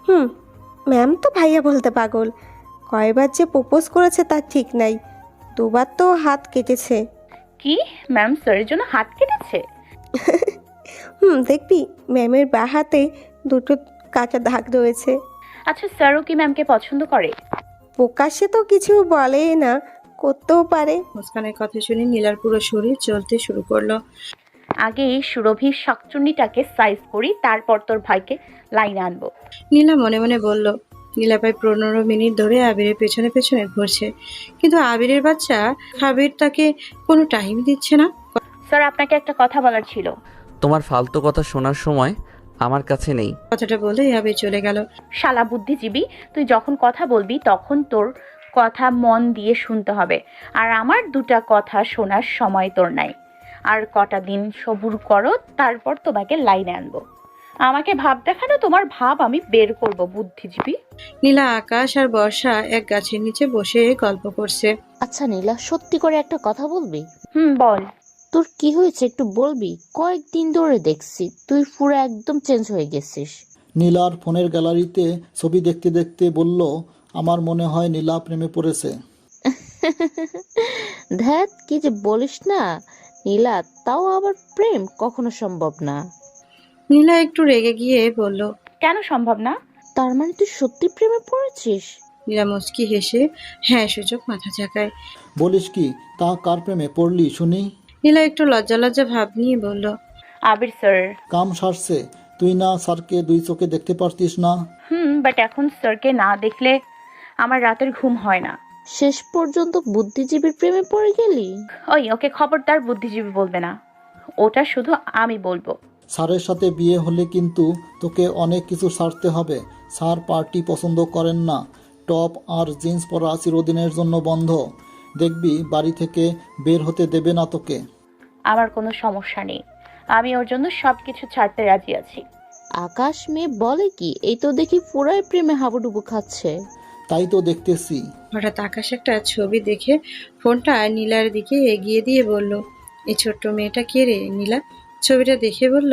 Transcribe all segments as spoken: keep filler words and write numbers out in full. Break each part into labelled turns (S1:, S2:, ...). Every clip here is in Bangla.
S1: হুম, ম্যাম তো ভাইয়া বলতে পাগল। কয়বার যে প্রপোজ করেছে তার ঠিক নাই। দুবার তো হাত কেটেছে।
S2: কি? ম্যাম স্যারের জন্য হাত কেটেছে?
S1: হুম, দেখবি ম্যামের বাঁ হাতে দুটো কাটা দাগ রয়েছে।
S2: আচ্ছা, স্যারও কি ম্যামকে পছন্দ করে?
S1: প্রকাশ্যে তো কিছু বলে না, করতেও পারে।
S3: মুস্কানের কথা শুনে নীলার পুরো শরীর চলতে শুরু করলো।
S2: আগে এই সুরভির শাকচুন্নিটাকে সাইজ করি, তারপর তোর ভাইকে লাইনে আনবো।
S3: নীলা মনে মনে বলল। নীলা প্রায় পনেরো মিনিট ধরে আবিরের পেছনে পেছনে ঘুরছে, কিন্তু আবিরের বাচ্চা আবির তাকে কোনো টাইম দিচ্ছে না।
S2: স্যার, আপনাকে একটা কথা বলার ছিল।
S4: তোমার ফালতু কথা শোনার সময় আমার কাছে নেই।
S3: কথাটা বলেই আবির চলে গেল।
S2: শালা বুদ্ধিজীবী, তুই যখন কথা বলবি তখন তোর কথা মন দিয়ে শুনতে হবে, আর আমার দুটা কথা শোনার সময় তোর নাই। আর কটা দিন সবুর করো, তারপর তোমাকে লাইনে আনবো। আমাকে ভাব দেখানো, তোমার ভাব আমি বের করব, বুদ্ধিজীবী।
S3: নীলা আকাশ আর বর্ষা এক গাছের নিচে বসে গল্প করছে।
S5: আচ্ছা নীলা, সত্যি করে একটা কথা বলবি?
S2: হুম, বল।
S5: তোর কি হয়েছে একটু বলবি? কয়েকদিন ধরে দেখছি তুই পুরো একদম চেঞ্জ হয়ে গেছিস।
S6: নীলার ফোনের গ্যালারিতে ছবি দেখতে দেখতে বলল, আমার মনে হয় নীলা প্রেমে পড়েছে।
S5: ধ্যাত, কি যে বলিস না নীলা, তাও আবার প্রেম কখনো সম্ভব না।
S3: নীলা একটু রেগে গিয়ে বলল।
S2: কেন সম্ভব না?
S5: তার মানে তুই সত্যি প্রেমে পড়েছিস?
S3: নীলা মুচকি হেসে হ্যাঁ সূচক মাথা ঝাঁকায়।
S6: বলিস কি? তা কার প্রেমে পড়লি শুনি?
S3: নীলা একটু লজ্জা লজ্জা ভাব নিয়ে বলল।
S2: আবির স্যার।
S6: কাম সারছে? তুই না স্যারকে দুই চোখে দেখতে পারতিস না?
S2: হুম, বাট এখন স্যারকে না দেখলে আমার রাতের ঘুম হয় না।
S5: শেষ পর্যন্ত বুদ্ধিজীবীর প্রেমে পড়ে গেলি?
S2: ওই, ওকে খবরদার বুদ্ধিজীবী বলবে না, ওটা শুধু আমি বলবো।
S6: স্যারের সাথে বিয়ে হলে কিন্তু তোকে অনেক কিছু ছাড়তে হবে। স্যার পার্টি পছন্দ করেন না। টপ আর জিন্স পরা চিরদিনের জন্য বন্ধ। দেখবি বাড়ি থেকে বের হতে দেবে না তোকে।
S2: আমার কোনো সমস্যা নেই, আমি ওর জন্য সব কিছু ছাড়তে রাজি আছি।
S5: আকাশ মেয়ে বলে কি? এই তো দেখি পুরাই প্রেমে হাবুডুবু খাচ্ছে।
S6: তাই তো দেখতেছি।
S3: হঠাৎ আকাশ একটা ছবি দেখে ফোনটা নীলার দিকে এগিয়ে দিয়ে বলল, এই ছোট্ট মেয়েটা কে রে? নীলা ছবিটা দেখে বলল।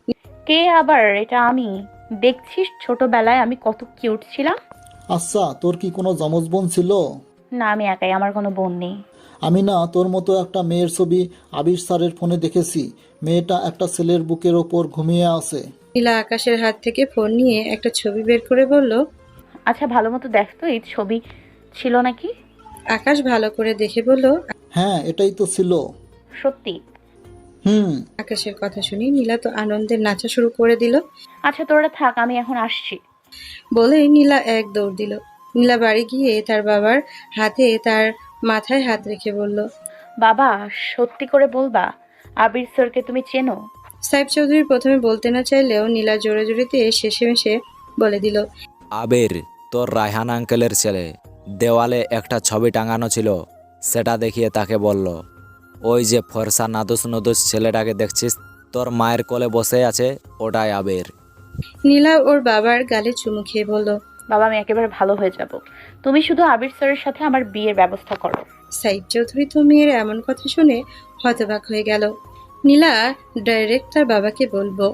S2: কে আবার? এটা আমি। দেখছিস ছোটবেলায় আমি কত কিউট ছিলাম।
S6: আচ্ছা, তোর কি কোনো যমজ বোন ছিল?
S2: না, আমি একাই, আমার কোনো বোন নেই।
S6: আমি না তোর মতো একটা মেয়ের ছবি আবির স্যারের ফোনে দেখেছি। মেয়েটা একটা ছেলের বুকের ওপর ঘুমিয়ে আছে।
S3: নীলা আকাশের হাত থেকে ফোন নিয়ে একটা ছবি বের করে বলল।
S2: আচ্ছা, ভালো মতো দেখতো, এই ছবি ছিল নাকি?
S3: আকাশ ভালো করে দেখে বলল।
S6: হ্যাঁ, এটাই তো ছিল।
S2: সত্যি?
S6: হুম।
S3: আকাশের কথা শুনি নীলা তো আনন্দের নাচা শুরু করে দিল।
S2: আচ্ছা, তোরা থাক, আমি এখন আসছি।
S3: বলে নীলা এক দৌড় দিল। নীলা বাড়ি গিয়ে তার বাবার হাতে তার মাথায় হাত রেখে বলল।
S2: বাবা, সত্যি করে বলবা আবির স্যারকে তুমি চেনো?
S3: সাহেব চৌধুরী প্রথমে বলতে না চাইলেও নীলা জোরে জোরেতে শেষে মেশে বলে দিল।
S7: আবির তোর রায়হান আঙ্কেলের ছেলে। দেওয়ালে একটা ছবি টাঙানো ছিল, সেটা দেখিয়ে তাকে বলল, ওই যে ফর্সা নাদুস নদুস ছেলেটাকে দেখছিস তোর মায়ের কোলে বসে আছে, ওটাই আবির।
S3: নীলা ওর বাবার গালে চুমু খেয়ে বলল।
S2: বাবা, আমি একেবারে ভালো হয়ে যাব, তুমি শুধু আবির স্যারের সাথে আমার বিয়ের ব্যবস্থা করো।
S3: সাইদ চৌধুরী তো মেয়ের এমন কথা শুনে হতবাক হয়ে গেল। নীলা ডাইরেক্ট তার বাবাকে বলবো।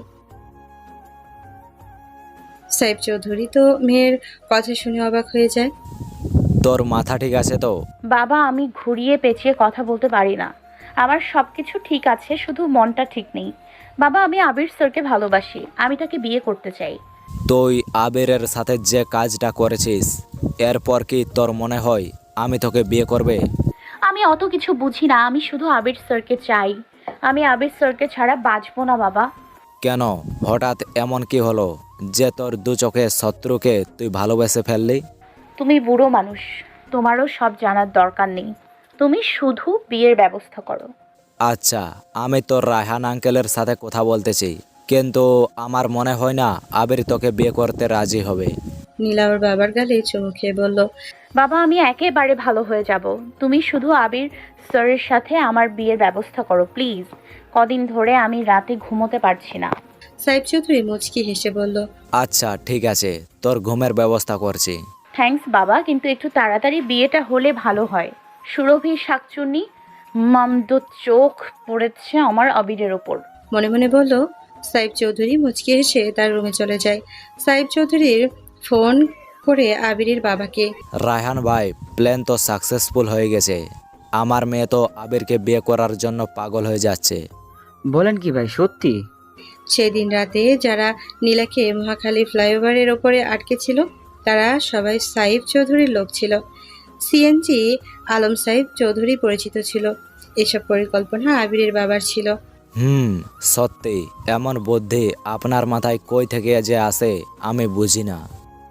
S3: সাহেব চৌধুরী তো মেয়ের কথা শুনে অবাক হয়ে যায়।
S7: তোর মাথা ঠিক আছে তো?
S2: বাবা, আমি ঘুরিয়ে পেঁচিয়ে কথা বলতে পারি না। আমার সব কিছু ঠিক আছে, শুধু মনটা ঠিক নেই। বাবা, আমি আবির স্যারকে ভালোবাসি, আমি তাকে বিয়ে করতে চাই।
S7: তুই আবিরের সাথে যে কাজটা করেছিস, এরপর কি তোর মনে হয় আমি তোকে বিয়ে করবে?
S2: আমি অত কিছু বুঝি না, আমি শুধু আবির স্যারকে চাই। আমি আবির স্যারকে ছাড়া বাঁচবো না বাবা।
S7: কেন, হঠাৎ এমন কি হলো যে তোর দু চোখে শত্রুকে তুই ভালোবেসে ফেললি?
S2: তুমি বুড়ো মানুষ, তোমারও সব জানার দরকার নেই। তুমি শুধু বিয়ের ব্যবস্থা করো।
S7: আচ্ছা, আমি তোর রায়হান আঙ্কেলের সাথে কথা বলতেছি, কিন্তু আমার মনে হয় না আবির তোকে বিয়ে করতে রাজি হবে।
S3: নীলা ওর বাবার গালে চুমু খেয়ে বলল।
S2: বাবা, আমি একেবারে ভালো হয়ে যাব, তুমি শুধু আবির স্যারের সাথে আমার বিয়ের ব্যবস্থা করো প্লিজ। কদিন ধরে আমি রাতে ঘুমোতে পারছি না।
S3: সাহেব চৌধুরী মুচকি হেসে বলল।
S7: আচ্ছা ঠিক আছে, তোর ঘুমের ব্যবস্থা করছি।
S2: থ্যাঙ্কস বাবা, কিন্তু একটু তাড়াতাড়ি বিয়েটা হলে ভালো হয়। সুরভি শাকচুন্নি মামদ চোখ পড়েছে আমার আবিরের ওপর।
S3: মনে মনে বলল। সাহেব চৌধুরী মুচকি হেসে তার রুমে চলে যায়। সাহেব চৌধুরীর ফোন করে আবিরের বাবাকে।
S7: রায়হান ভাই, প্ল্যান তো সাকসেসফুল হয়ে গেছে। আমার মেয়ে তো আবিরকে বিয়ে করার জন্য পাগল হয়ে যাচ্ছে।
S8: বলেন কি ভাই, সত্যি?
S3: সেদিন রাতে যারা নীলাকে মহাখালী ফ্লাইওভারের ওপরে আটকে ছিল তারা সবাই সাইফ চৌধুরীর লোক ছিল। সিএনজি আলম সাইফ চৌধুরী পরিচিত ছিল। এসব পরিকল্পনা আবিরের বাবার ছিল।
S7: হুম, সত্যি। এমন বুদ্ধি আপনার মাথায় কই থেকে যে আসে আমি বুঝি না।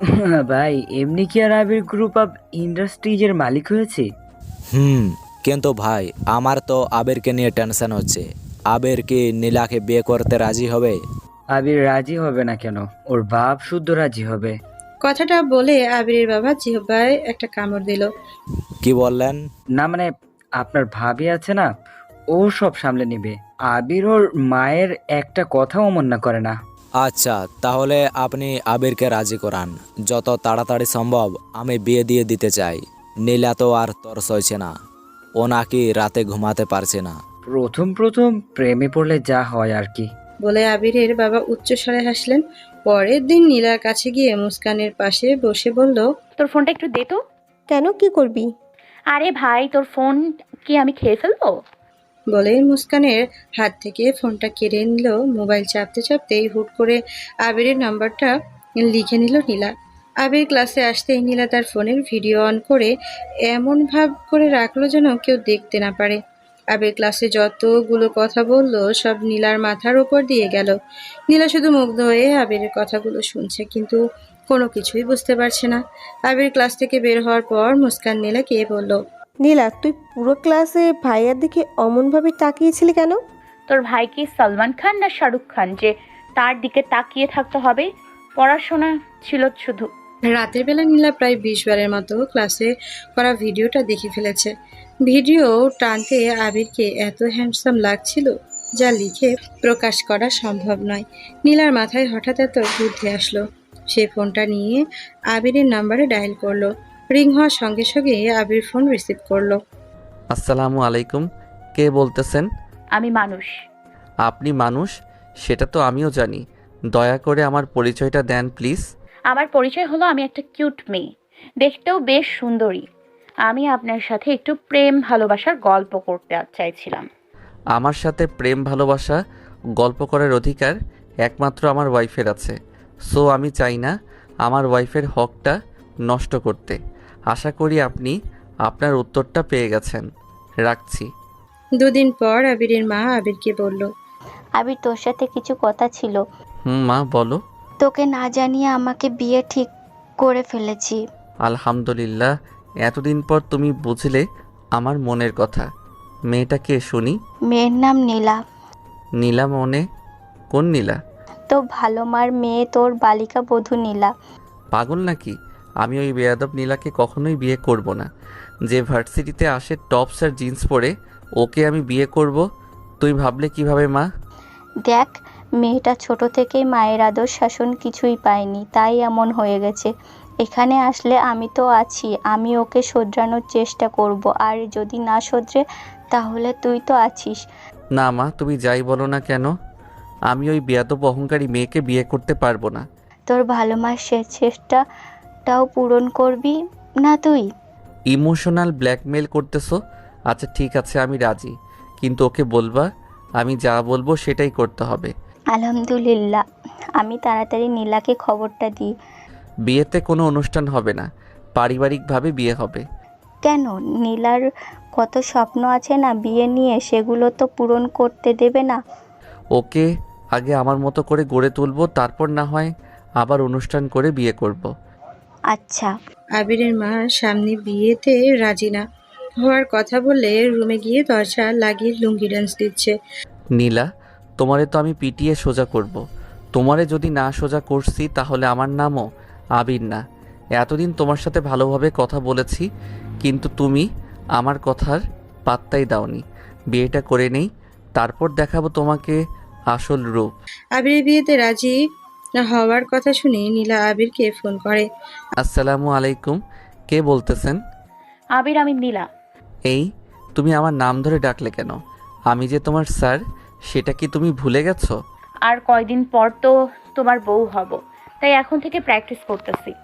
S8: ভাই, এমনি কি আর আবির গ্রুপ অফ ইন্ডাস্ট্রিজের মালিক হয়েছে?
S7: হুম, কিন্তু ভাই আমার তো আবিরকে নিয়ে টেনশন হচ্ছে। আবির কি নীলাকে বিয়ে করতে রাজি হবে?
S8: আবির রাজি হবে না কেন? ওর বাপ শুদ্ধ রাজি হবে।
S3: কথাটা বলে আবিরের বাবা জিহ্বায় একটা কামড় দিল।
S7: কি বললেন?
S8: না মানে, আপনার ভাবি আছে না, ও সব সামলে নিবে। আবির ওর মায়ের একটা কথাও অমান্য করে না।
S7: আচ্ছা, তাহলে আপনি আবিরকে রাজি করান। যত তাড়াতাড়ি সম্ভব আমি বিয়ে দিয়ে দিতে চাই। নীলা তো আর তর সইছে না। ও নাকি রাতে ঘুমাতে পারছে না।
S8: প্রথম প্রথম প্রেমে পড়লে যা হয় আর কি।
S3: বলে আবিরের বাবা উচ্চস্বরে হাসলেন। পরের দিন নীলার কাছে গিয়ে মুস্কানের পাশে বসে বলল,
S2: তোর ফোনটা একটু দে তো।
S1: কেন, কি করবি?
S2: আরে ভাই, তোর ফোন কি আমি খেয়ে ফেলবো?
S3: বলে মুস্কানের হাত থেকে ফোনটা কেড়ে নিল। মোবাইল চাপতে চাপতেই হুট করে আবিরের নাম্বারটা লিখে নিল নীলা। আবির ক্লাসে আসতেই নীলা তার ফোনের ভিডিও অন করে এমন ভাব করে রাখলো যেন কেউ দেখতে না পারে। আবির ক্লাসে যতগুলো কথা বলল সব নীলার মাথার উপর দিয়ে গেল। নীলা শুধু মুগ্ধ হয়ে আবিরের কথাগুলো শুনছে, কিন্তু কোনো কিছুই বুঝতে পারছে না। আবির ক্লাস থেকে বের হওয়ার পর মুস্কান নীলাকে বলল,
S1: নীলা, তুই পুরো ক্লাসে ভাইয়ার দিকে অমনভাবে তাকিয়েছিলি কেন?
S2: তোর ভাই কি সালমান খান না শাহরুখ খান যে তার দিকে তাকিয়ে থাকতে হবে? পড়াশোনা ছিল শুধু।
S3: রাতের বেলা নীলা প্রায় বিশ বারের মতো ক্লাসে করা ভিডিওটা দেখে ফেলেছে। ভিডিও টানতে আবিরকে এত হ্যান্ডসাম লাগছিল যা লিখে প্রকাশ করা সম্ভব নয়। নীলার মাথায় হঠাৎ এত বুদ্ধি আসলো। সে ফোনটা নিয়ে আবিরের নাম্বারে ডায়াল করলো। রিং হওয়ার সঙ্গে সঙ্গে আবির ফোন রিসিভ করলো।
S4: আসসালামু আলাইকুম, কে বলতেছেন?
S2: আমি মানুষ।
S4: আপনি মানুষ? সেটা তো আমিও জানি। দয়া করে আমার পরিচয়টা দেন প্লিজ।
S2: আমার পরিচয় হলো আমি একটা কিউট মেয়ে, দেখতেও বেশ সুন্দরী। আমি আপনার সাথে একটু প্রেম ভালোবাসার গল্প করতে চাইছিলাম।
S4: আমার সাথে প্রেম ভালোবাসা গল্প করার অধিকার একমাত্র আমার ওয়াইফের আছে। সো আমি চাই না আমার ওয়াইফের হকটা নষ্ট করতে। আশা করি আপনি আপনার উত্তরটা পেয়ে গেছেন। রাখছি।
S3: দুদিন পর আবিরের মা আবিরকে বলল,
S9: আবির, তোর সাথে কিছু কথা ছিল।
S4: হুম মা, বলো।
S9: তোকে না জানিয়ে আমাকে বিয়ে ঠিক করে ফেলেছি।
S4: আলহামদুলিল্লাহ, এতদিন পর তুমি বুঝলে আমার মনের কথা। মেয়েটা কে শুনি?
S9: মেয়ের নাম নীলা।
S4: নীলা মনে? কোন নীলা?
S9: তো ভালো মার মেয়ে, তোর বালিকা বধূ নীলা।
S4: পাগল নাকি? আমি ওই বেয়াদব নীলাকে কখনোই বিয়ে করব না। যে ভার্সিটিতে আসে টপস আর জিন্স পরে, ওকে আমি বিয়ে করব? তুই ভাবলে কিভাবে মা?
S9: দেখ, মেয়েটা ছোট থেকেই মায়ের আদর শাসন কিছুই পায়নি, তাই এমন হয়ে গেছে। এখানে আসলে আমি তো আছি, আমি ওকে শোধরানোর চেষ্টা করব। আর যদি না শোধরে তাহলে তুই তো আছিস।
S4: না মা, তুমি যাই বলো না কেন, আমি ওই বেয়াদব অহংকারী মেয়েকে বিয়ে করতে পারবো না।
S9: তোর ভালো মার সে চেষ্টাটাও পূরণ করবি না তুই?
S4: ইমোশনাল ব্ল্যাকমেল করতেছো? আচ্ছা ঠিক আছে, আমি রাজি, কিন্তু ওকে বলবা আমি যা বলবো সেটাই করতে হবে।
S9: আলহামদুলিল্লাহ, আমি তাড়াতাড়ি নীলাকে খবরটা দিই।
S4: বিয়েতে কোনো অনুষ্ঠান হবে না, পারিবারিকভাবে বিয়ে হবে।
S9: কেন? নীলার কত স্বপ্ন আছে না বিয়ে নিয়ে, সেগুলো তো পূরণ করতে দেবে না?
S4: ওকে আগে আমার মতো করে গড়ে তুলবো, তারপর না হয় আবার অনুষ্ঠান করে বিয়ে করব।
S9: আচ্ছা।
S3: আবিরের মা সামনে বিয়েতে রাজি না হওয়ার কথা বললে রুমে গিয়ে দরজা লাগিয়ে লুঙ্গি ডান্স দিচ্ছে।
S4: নীলা, তোমারে তো আমি পিটিয়ে সোজা করব। তোমারে যদি না সোজা করছি তাহলে আমার নামও আবির না। এতদিন তোমার সাথে ভালোভাবে কথা বলেছি, কিন্তু তুমি আমার কথার পাত্তাই দাওনি। বিয়েটা করে নেই, তারপর দেখাবো তোমাকে আসল রূপ।
S3: আবিরের বিয়েতে রাজি হওয়ার কথা শুনে নীলা আবিরকে ফোন করে।
S4: আসসালামু আলাইকুম, কে বলতেছেন?
S2: আবির, আমি নীলা।
S4: এই, তুমি আমার নাম ধরে ডাকলে কেন? আমি যে তোমার স্যার, সেটা কি তুমি ভুলে গেছো?
S2: আর কয়দিন পর তো তোমার বউ হব, তাই এখন থেকে প্র্যাকটিস করতেছি।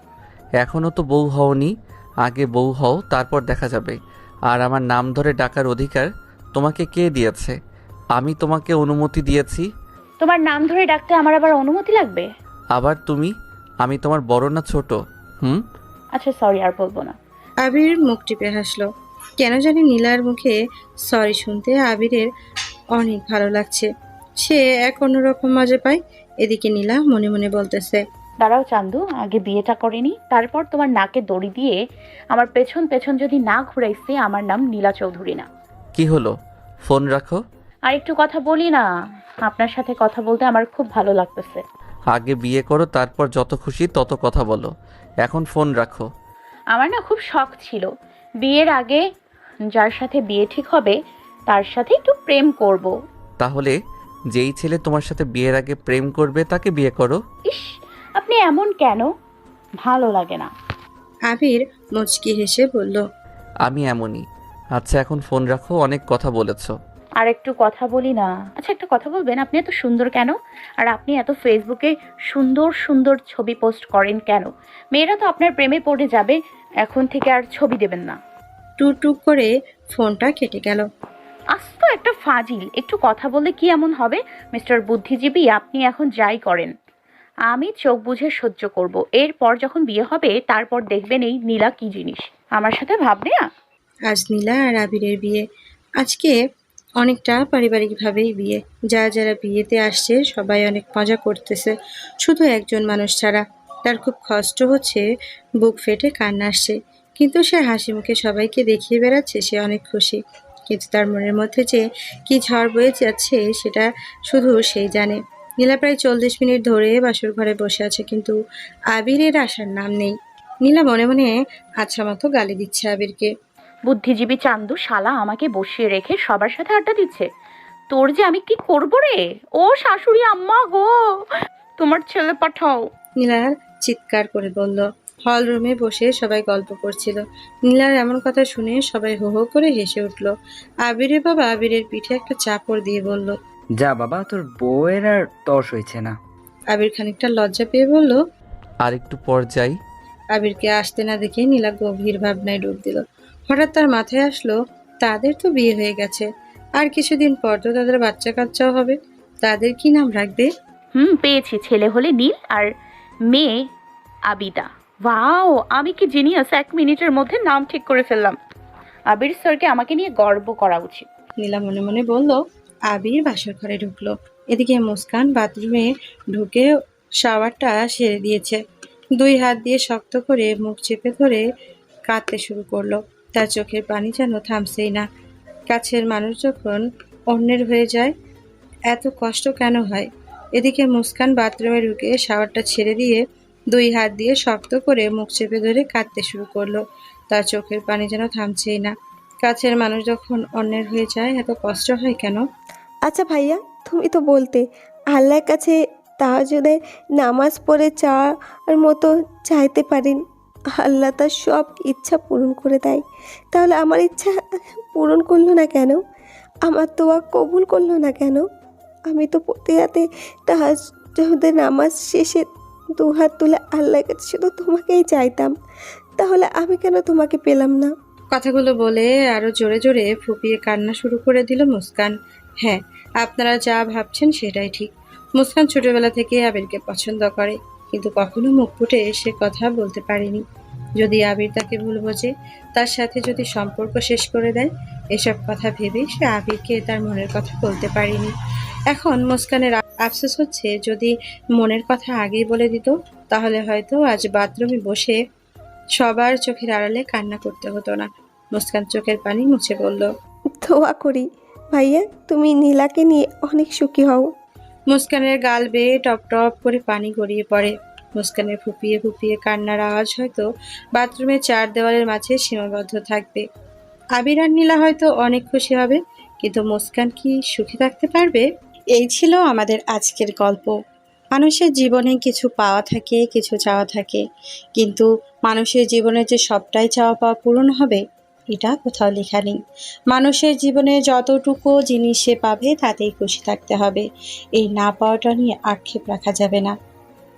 S4: এখনও তো বউ হওনি, আগে বউ হও, তারপর দেখা যাবে। আর আমার নাম ধরে ডাকার অধিকার তোমাকে কে দিয়েছে? আমি তোমাকে অনুমতি দিয়েছি।
S2: তোমার নাম ধরে ডাকতে আমার আবার অনুমতি লাগবে?
S4: আবার তুমি? আমি তোমার বড় না ছোট? হুম।
S2: আচ্ছা সরি, আর বলবো না।
S3: আবির মুখ টিপে হাসলো। কেন জানি নীলার মুখে সরি শুনতে আবিরের অনেক ভালো লাগছে। সে এক অন্যরকম মজা পায়। এদিকে নীলা মনে মনে বলতেছে,
S2: দাঁড়াও চান্দু, আগে বিয়েটা করিনি, তারপর তোমার নাকে দড়ি দিয়ে আমার পেছন পেছন যদি না ঘুরাইছি, আমার নাম নীলা চৌধুরী না।
S4: কি হলো? ফোন রাখো।
S2: আর একটু কথা বলি না? আপনার সাথে কথা বলতে আমার খুব ভালো লাগতেছে।
S4: আগে বিয়ে করো, তারপর যত খুশি তত কথা বলো। এখন ফোন রাখো।
S2: আমার না খুব শখ ছিল বিয়ের আগে যার সাথে বিয়ে ঠিক হবে তার সাথে একটু প্রেম করব।
S4: তাহলে যেই ছেলে তোমার সাথে বিয়ের আগে প্রেম করবে তাকে বিয়ে করো।
S2: ইস, আপনি এমন কেন? ভালো লাগে না।
S3: আবির মুচকি হেসে বলল,
S4: আমি এমনই। আচ্ছা এখন ফোন রাখো, অনেক কথা বলেছো।
S2: আর একটু কথা বলি না? আচ্ছা একটা কথা বলবেন, আপনি এত সুন্দর কেন? আর আপনি এত ফেসবুকে সুন্দর সুন্দর ছবি পোস্ট করেন কেন? মেয়েরা তো আপনার প্রেমে পড়ে যাবে। এখন থেকে আর ছবি দেবেন না।
S3: টুক টুক করে ফোনটা কেটে গেল।
S2: আস্ত একটা ফাজিল। একটু কথা বললে কি এমন হবে? মিস্টার বুদ্ধিজীবী, আপনি এখন যাই করেন আমি চোখ বুঝে সহ্য করব। এরপর যখন বিয়ে হবে তারপর দেখবেন এই নীলা কি জিনিস। আমার সাথে ভাববে না।
S3: আজ নীলা আর আবিরের বিয়ে। আজকে অনেকটা পারিবারিকভাবেই বিয়ে। যারা যারা বিয়েতে আসছে সবাই অনেক মজা করতেছে, শুধু একজন মানুষ ছাড়া। তার খুব কষ্ট হচ্ছে, বুক ফেটে কান্না আসছে, কিন্তু সে হাসি মুখে সবাইকে দেখিয়ে বেড়াচ্ছে সে অনেক খুশি। কিন্তু তার মনের মধ্যে যে কি ঝড় বয়ে যাচ্ছে সেটা শুধু সেই জানে। নীলা প্রায় চল্লিশ মিনিট ধরে বাসর ঘরে বসে আছে, কিন্তু আবিরের আসার নাম নেই। নীলা মনে মনে আচ্ছা মতো গালি দিচ্ছে আবিরকে।
S2: বুদ্ধিজীবী চান্দু শালা আমাকে বসিয়ে রেখে সবার সাথে আড্ডা দিচ্ছে। তোর যে আমি কি করব রে? ও শাশুড়ি আম্মা গো, তোমার ছেলে পাঠাও।
S3: নীলার চিৎকার করে বলল। হল রুমে বসে সবাই গল্প করছিল। নীলার এমন কথা শুনে সবাই হো হো করে হেসে উঠল। আবিরের বাবা আবিরের পিঠে একটা চাপড় দিয়ে বলল,
S8: যা বাবা, তোর বউয়ের আর তর্স হয়েছে না।
S3: আবির খানিকটা লজ্জা পেয়ে বলল।
S4: আর একটু পর যাই।
S3: আবিরকে আসতে না দেখে নীলা গভীর ভাবনায় ডুব দিল। হঠাৎ তার মাথায় আসলো, তাদের তো বিয়ে হয়ে গেছে, আর কিছুদিন পর তো তাদের বাচ্চা কাচ্চাও হবে। তাদের কি নাম রাখবে?
S2: হুম, পেয়েছি। ছেলে হলে নীল আর মেয়ে আবিদা। ওয়াও, আমি কি জিনিয়াস! এক মিনিটের মধ্যে নাম ঠিক করে ফেললাম। আবির স্যারকে আমাকে নিয়ে গর্ব করা উচিত।
S3: নীলা মনে মনে বলল। আবির বাসর ঘরে ঢুকলো। এদিকে মুস্কান বাথরুমে ঢুকে শাওয়ারটা সেরে দিয়েছে। দুই হাত দিয়ে শক্ত করে মুখ চেপে ধরে কাঁদতে শুরু করলো। তার চোখের পানি যেন থামছেই না। কাছের মানুষ যখন অন্যের হয়ে যায় এত কষ্ট কেন হয়? এদিকে মুস্কান বাথরুমে ঢুকে শাওয়ারটা ছেড়ে দিয়ে দুই হাত দিয়ে শক্ত করে মুখ চেপে ধরে কাঁদতে শুরু করলো। তার চোখের পানি যেন থামছেই না। কাছের মানুষ যখন অন্যের হয়ে যায় এত কষ্ট হয় কেন?
S1: আচ্ছা ভাইয়া, তুমি তো বলতে আল্লাহর কাছে তাহাজ্জুদের নামাজ পড়ে চাওয়ার মতো চাইতে পারেন, আল্লাহ তার সব ইচ্ছা পূরণ করে দেয়। তাহলে আমার ইচ্ছা পূরণ করলো না কেন? আমার দোয়া কবুল করলো না কেন? আমি তো প্রতি রাতে তাহাজ্জুদের নামাজ শেষে দু হাত তুলে আল্লাহর কাছে শুধু তোমাকেই চাইতাম, তাহলে আমি কেন তোমাকে পেলাম না?
S3: কথাগুলো বলে আরো জোরে জোরে ফুপিয়ে কান্না শুরু করে দিল মুস্কান। হ্যাঁ, আপনারা যা ভাবছেন সেটাই ঠিক। মুস্কান ছোটবেলা থেকে আবিরকে পছন্দ করে, কিন্তু কখনো মুখ ফুটে সে কথা বলতে পারেনি। যদি আবির তাকে ভুল বোঝে, তার সাথে যদি সম্পর্ক শেষ করে দেয়, এসব কথা ভেবে সে আবিরকে তার মনের কথা বলতে পারেনি। এখন মুস্কানের আফসোস হচ্ছে, যদি মনের কথা আগেই বলে দিত তাহলে হয়তো আজ বাথরুমে বসে সবার চোখের আড়ালে কান্না করতে হতো না। মুস্কান চোখের পানি মুছে বলল,
S1: দোয়া করি ভাইয়া তুমি নীলাকে নিয়ে অনেক সুখী হও।
S3: মুস্কানের গাল বেয়ে টপ টপ করে পানি গড়িয়ে পড়ে। মুস্কানের ফুপিয়ে ফুপিয়ে কান্নার আওয়াজ হয়তো বাথরুমের চার দেওয়ালের মাঝে সীমাবদ্ধ থাকবে। আবির আর নীলা হয়তো অনেক খুশি হবে, কিন্তু মুস্কান কি সুখী থাকতে পারবে? এই ছিল আমাদের আজকের গল্প। মানুষের জীবনে কিছু পাওয়া থাকে, কিছু চাওয়া থাকে, কিন্তু মানুষের জীবনে যে সবটাই চাওয়া পাওয়া পূরণ হবে এটা কোথাও লেখা নেই। মানুষের জীবনে যতটুকু জিনিস সে পাবে তাতেই খুশি থাকতে হবে। এই না পাওয়াটা নিয়ে আক্ষেপ রাখা যাবে না।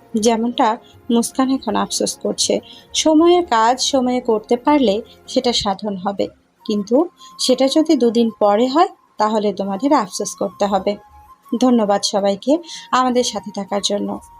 S3: যেমনটা মুস্কান এখন আফসোস করছে। সময়ের কাজ সময়ে করতে পারলে সেটা সাধন হবে, কিন্তু সেটা যদি দুদিন পরে হয় তাহলে তোমাদের আফসোস করতে হবে। ধন্যবাদ সবাইকে আমাদের সাথে থাকার জন্য।